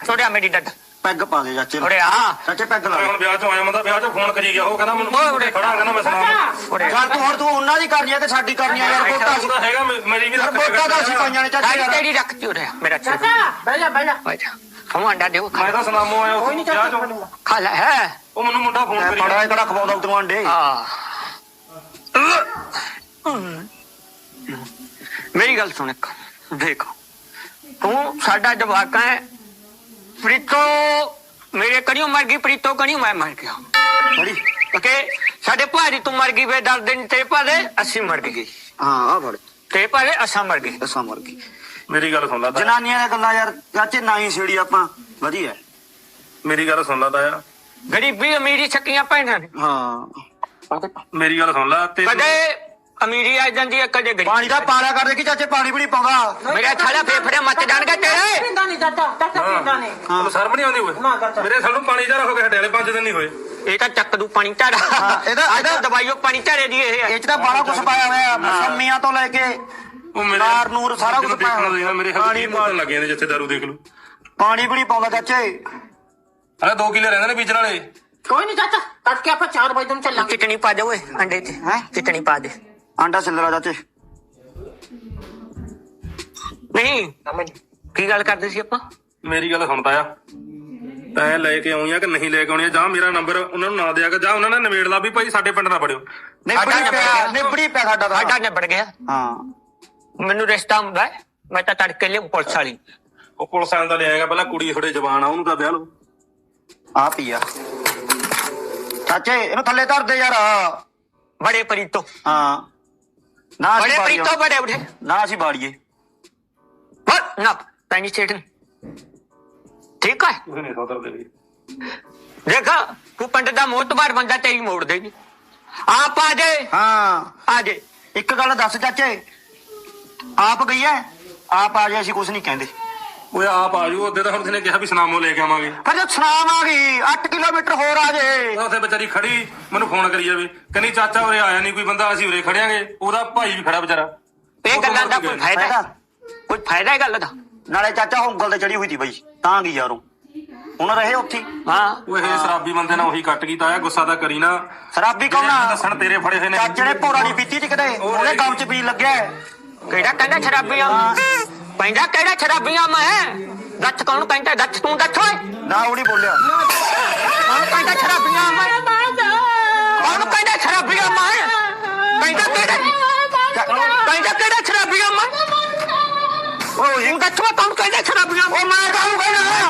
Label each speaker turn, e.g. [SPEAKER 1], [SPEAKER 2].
[SPEAKER 1] ਛੋੜਿਆ ਮੇਰੀ ਡੱਡ
[SPEAKER 2] ਪੈਗ ਪਾ ਦੇ ਚਾਚੇ
[SPEAKER 1] ਉਰੇ ਆ
[SPEAKER 2] ਚਾਚੇ ਪੈਗ ਲਾ
[SPEAKER 3] ਹੁਣ ਵਿਆਹ ਚੋਂ ਆਇਆ ਬੰਦਾ ਵਿਆਹ ਚੋਂ ਫੋਨ ਕਰੀ ਗਿਆ ਉਹ ਕਹਿੰਦਾ ਮੈਨੂੰ ਖੜਾ ਕਹਿੰਦਾ ਮੈਂ ਸੁਣਾ
[SPEAKER 1] ਉਰੇ
[SPEAKER 2] ਯਾਰ ਤੂੰ ਹੁਣ ਤੂੰ ਉਹਨਾਂ ਦੀ ਕਰਨੀ ਆ ਤੇ ਸਾਡੀ ਕਰਨੀ ਆ ਯਾਰ ਵੋਟਾਂ
[SPEAKER 3] ਉਹਦਾ ਹੈਗਾ ਮੇਰੀ ਵੀ ਰੱਖ
[SPEAKER 2] ਵੋਟਾਂ ਤਾਂ ਅਸੀਂ ਪਾਈਆਂ ਨੇ ਚਾਚੇ ਯਾਰ
[SPEAKER 1] ਤੇਰੀ ਰੱਖ ਤੀ ਉਰੇ ਮੇਰਾ
[SPEAKER 4] ਚਾਚਾ ਬਹਿ ਜਾ
[SPEAKER 1] ਹਮ ਅੰਡਾ ਦਿਓ
[SPEAKER 3] ਮੈਂ ਤਾਂ ਸੁਨਾਮੋ ਆਇਆ ਉਹ ਵਿਆਹ ਚੋਂ
[SPEAKER 1] ਖਾ ਲੈ ਹੈ
[SPEAKER 3] ਉਹ ਮੈਨੂੰ ਮੁੰਡਾ ਫੋਨ ਕਰੀ
[SPEAKER 2] ਪੜਾ ਕਿਹੜਾ ਖਵਾਉਂਦਾ ਤੂੰ ਅੰਡੇ
[SPEAKER 1] ਆ ਮੇਰੀ ਗੱਲ ਸੁਣ ਇੱਕ ਦੇਖ ਤੂੰ ਸਾਡਾ ਜਵਾਕ ਹੈ ਪ੍ਰੀਤੋ ਮੇਰੇ ਕਣੀਓ ਮਰ ਗਈ ਪ੍ਰੀਤੋ ਕਣੀਓ ਮੈਂ ਮਰ ਗਿਆ
[SPEAKER 2] ਬੜੀ
[SPEAKER 1] ਓਕੇ ਸਾਡੇ ਭਾਜੀ ਤੂੰ ਮਰ ਗਈ ਵੇ 10 ਦਿਨ ਤੇ ਭਾਦੇ ਅਸੀਂ ਮਰ ਗਏ
[SPEAKER 2] ਹਾਂ ਆ ਫੜ
[SPEAKER 1] ਤੇ ਭਾਦੇ ਅਸਾਂ ਮਰ ਗਏ
[SPEAKER 2] ਅਸਾਂ ਮਰ ਗਈ
[SPEAKER 3] ਮੇਰੀ ਗੱਲ ਸੁਣ ਲਾ ਤਾ
[SPEAKER 2] ਜਨਾਨੀਆਂ ਦੀਆਂ ਗੱਲਾਂ ਯਾਰ ਚਾਚੇ ਨਾ ਹੀ ਛੇੜੀ ਆਪਾਂ ਵਧੀਆ
[SPEAKER 3] ਮੇਰੀ ਗੱਲ ਸੁਣ ਲਾ ਤਾਇਆ
[SPEAKER 1] ਗਰੀਬੀ ਅਮੀਰੀ ਛੱਕੀਆਂ ਪੈਣਾ ਨੇ
[SPEAKER 2] ਹਾਂ
[SPEAKER 3] ਮੇਰੀ ਗੱਲ ਸੁਣ ਲਾ ਤੇ
[SPEAKER 1] ਕਦੇ ਅਮੀਰੀ ਆ ਜਾਂਦੀ ਹੈ ਕਦੇ
[SPEAKER 2] ਪਾਣੀ
[SPEAKER 1] ਗਰੀਬੀ
[SPEAKER 2] ਦਾ ਪਾਲਾ ਕਰ ਦੇ ਕਿ ਚਾਚੇ ਪਾਣੀ ਵੀ ਨਹੀਂ ਪਾਉਂਦਾ
[SPEAKER 1] ਮੇਰੇ ਥਾਲਾ ਫੇਫੜੇ ਮੱਚ ਜਾਣਗੇ ਤੇਰੇ
[SPEAKER 4] ਪੀਂਦਾ ਨਹੀਂ ਚਾਚਾ ਪੀਂਦਾ ਨਹੀਂ
[SPEAKER 3] ਤੈਨੂੰ ਸ਼ਰਮ ਨਹੀਂ ਆਉਂਦੀ
[SPEAKER 4] ਨਾ
[SPEAKER 3] ਓਏ
[SPEAKER 4] ਚਾਚਾ।
[SPEAKER 3] ਮੇਰੇ ਸਾਨੂੰ ਪਾਣੀ ਜਾ ਹੋ ਕੇ ਹਟੇ ਵਾਲੇ 5 ਦਿਨ ਨਹੀਂ ਹੋਏ
[SPEAKER 1] ਇਹ ਤਾਂ ਚੱਕ ਦੂ ਪਾਣੀ ਝਾੜਾ
[SPEAKER 2] ਹਾਂ, ਇਹਦਾ
[SPEAKER 1] ਦਵਾਈਓ ਪਾਣੀ ਝਾੜੇ ਦੀ ਇਹ
[SPEAKER 2] ਇਹ ਚ ਤਾਂ ਬੜਾ ਕੁਝ ਪਾਇਆ ਹੋਇਆ ਮਸੰਮੀਆਂ ਤੋਂ ਲੈ ਕੇ
[SPEAKER 3] ਉਹ ਮੇਰੇ
[SPEAKER 2] ਨਾਰ ਨੂਰ ਸਾਰਾ ਕੁਝ ਪਾਇਆ
[SPEAKER 3] ਦੇਖਣਾ
[SPEAKER 2] ਹੋਇਆ।
[SPEAKER 3] ਮੇਰੇ ਹੱਥ ਮਾਰਨ ਲੱਗੇ ਨੇ ਜਿੱਥੇ ਦਾਰੂ ਦੇਖ ਲੂ
[SPEAKER 2] ਪਾਣੀ ਵੀ ਨਹੀਂ ਪਾਉਂਦਾ ਚਾਚੇ
[SPEAKER 3] ਹਲੇ 2 ਕਿੱਲੇ ਰਹਿੰਦੇ ਨੇ ਬੀਜਣ ਵਾਲੇ
[SPEAKER 4] ਕੋਈ ਨਹੀਂ ਚਾਚਾ ਤੜਕੇ ਆਪਾਂ 4 ਵਜੇ ਨੂੰ ਚੱਲਾਂਗੇ
[SPEAKER 1] ਚਟਣੀ ਪਾ ਦੇ ਓਏ ਅੰਡੇ ਤੇ
[SPEAKER 2] ਹੈਂ?
[SPEAKER 1] ਚਟਣੀ ਪਾ ਦੇ
[SPEAKER 2] ਆਂਡਾ ਛਿੱਲਰਾ ਚਾਚੇ
[SPEAKER 1] ਨਹੀਂ ਕੀ ਗੱਲ ਕਰਦੇ ਸੀ ਆਪਾਂ
[SPEAKER 3] ਮੇਰੀ ਗੱਲ ਸੁਣਦਾ ਆ ਤੈਂ ਲੈ ਕੇ ਆਉਣੀ ਆ ਕਿ ਨਹੀਂ ਲੈ ਕੇ ਆਉਣੀ ਆ ਜਾਂ ਮੇਰਾ ਨੰਬਰ ਉਹਨਾਂ ਨੂੰ ਨਾ ਦਿਆ ਕਰ ਜਾਂ ਉਹਨਾਂ ਨੇ ਨਿਬੇੜ ਲਾ ਵੀ ਭਾਈ ਸਾਡੇ ਪਿੰਡ ਨਾ ਪੜਿਓ
[SPEAKER 2] ਨਿਬੜੀ ਪਿਆ ਸਾਡਾ ਤਾਂ
[SPEAKER 1] ਸਾਡਾ ਨਿਬੜ ਗਿਆ
[SPEAKER 2] ਹਾਂ
[SPEAKER 1] ਮੈਨੂੰ ਰਿਸ਼ਤਾ ਹੁੰਦਾ ਹੈ, ਮੈਂ ਤਾਂ ਤੜਕੇ ਲਿਆ ਪੁਲਿਸ ਵਾਲੀ
[SPEAKER 3] ਉਹ ਪੁਲਿਸ ਆਣ ਦਾ ਲਿਆਏਗਾ ਪਹਿਲਾਂ ਕੁੜੀ ਥੋੜੇ ਜਵਾਨ ਆ ਉਹਨੂੰ ਤਾਂ ਵਿਆਹ ਲਓ
[SPEAKER 2] ਆ ਪੀਆ ਚਾਚੇ ਇਹਨੂੰ ਥੱਲੇ ਧਰ ਦੇ ਯਾਰ
[SPEAKER 1] ਬੜੇ ਪ੍ਰੀਤੋ
[SPEAKER 2] ਹਾਂ ਨਾ
[SPEAKER 1] ਬੜੇ
[SPEAKER 2] ਅਸੀਂ
[SPEAKER 1] ਪ੍ਰੀਤੋ ਬੜੇ ਉਠੇ
[SPEAKER 2] ਨਾ ਅਸੀਂ ਬਾੜੀਏ
[SPEAKER 1] ਨਾ ਪੈਣੀ ਚਟਣੀ ਠੀਕ ਹੈ
[SPEAKER 3] ਤੁਸੀਂ ਨਹੀਂ ਸੋਦਰਦੇ ਵੀ
[SPEAKER 1] ਦੇਖਾ ਤੂੰ ਪਿੰਡ ਦਾ ਮੋਤਬਾਰ ਬੰਦਾ ਤੇਰੀ ਮੋੜ ਦੇਗੀ ਆਪ ਆ ਜੇ
[SPEAKER 2] ਹਾਂ
[SPEAKER 1] ਆ ਜੇ
[SPEAKER 2] ਇੱਕ ਗੱਲ ਦੱਸ ਚਾਚੇ ਆਪ ਗਈ ਐ ਆਪ ਆ ਜੇ ਅਸੀਂ ਕੁਝ ਨਹੀਂ ਕਹਿੰਦੇ
[SPEAKER 3] ਓਏ ਆਪ ਆ ਜੂ ਉਹਦੇ ਤਾਂ ਹੁਣ ਤੁਸੀਂ ਕਿਹਾ ਵੀ ਸੁਨਾਮੋ ਲੈ ਕੇ ਆਵਾਂਗੇ
[SPEAKER 2] ਪਰ ਜਦ ਸੁਨਾਮ ਆ ਗਈ 8 ਕਿਲੋਮੀਟਰ ਹੋਰ ਆ ਜੇ
[SPEAKER 3] ਉਹ ਉੱਥੇ ਵਿਚਾਰੀ ਖੜੀ ਮੈਨੂੰ ਫੋਨ ਕਰੀ ਜਾਵੇ ਕਹਿੰਦੀ ਚਾਚਾ ਉਰੇ ਆਇਆ ਨਹੀਂ ਕੋਈ ਬੰਦਾ ਅਸੀਂ ਉਰੇ ਖੜਿਆਂਗੇ ਉਹਦਾ ਭਾਈ ਵੀ ਖੜਾ ਵਿਚਾਰਾ
[SPEAKER 1] ਇਹ ਗੱਲਾਂ ਦਾ ਕੋਈ ਫਾਇਦਾ ਹੈ? ਕੋਈ ਫਾਇਦਾ ਹੈ ਗੱਲ ਦਾ
[SPEAKER 2] ਨਾਲੇ ਚਾਚਾ ਉਂਗਲ ਤੇ ਚੜੀ ਹੋਈ ਸੀ ਬਈ ਤਾਂ ਗਈ ਯਾਰੋਂ ਹੁਣ ਰਹੇ ਉੱਥੇ
[SPEAKER 1] ਹਾਂ
[SPEAKER 3] ਉਹ ਇਹ ਸ਼ਰਾਬੀ ਬੰਦੇ ਨਾਲ ਉਹੀ ਕੱਟ ਕੀਤਾ ਆ ਗੁੱਸਾ ਤਾਂ ਕਰੀ ਨਾ
[SPEAKER 2] ਸ਼ਰਾਬੀ ਕੌਣ
[SPEAKER 3] ਜਿਹੜੇ
[SPEAKER 2] ਆ
[SPEAKER 3] ਦੱਸਣ ਤੇਰੇ ਫੜੇ ਹੋਏ ਨੇ
[SPEAKER 2] ਚਾਚੇ ਨੇ ਭੋਰਾ ਨਹੀਂ ਪੀਤੀ ਸੀ ਕਦੇ ਉਹਨੇ ਗਮ ਚ ਪੀ ਲੱਗਿਆ
[SPEAKER 1] ਕਿਹੜਾ ਕਹਿੰਦਾ ਸ਼ਰਾਬੀਆਂ ਪੈਂਦਾ ਕਿਹੜਾ ਸ਼ਰਾਬੀਆਂ ਮੈਂ ਦੱਸ ਕੌਣ ਕਹਿੰਦਾ ਦੱਸ ਤੂੰ ਦੱਸ ਓਏ
[SPEAKER 2] ਨਾ ਉਹ ਨਹੀਂ ਬੋਲਿਆ
[SPEAKER 1] ਕੌਣ ਕਹਿੰਦਾ ਸ਼ਰਾਬੀਆਂ ਮੈਂ ਕੌਣ ਕਹਿੰਦਾ ਸ਼ਰਾਬੀਆਂ ਮੈਂ ਕਹਿੰਦਾ ਕਿਹੜਾ ਸ਼ਰਾਬੀਆਂ ਮੈਂ ਉਹ ਇਹ ਦੱਸ ਕੌਣ ਕਹਿੰਦਾ ਸ਼ਰਾਬੀਆਂ
[SPEAKER 2] ਉਹ ਮੈਂ ਕਾਹਨੂੰ ਕਹਿਣਾ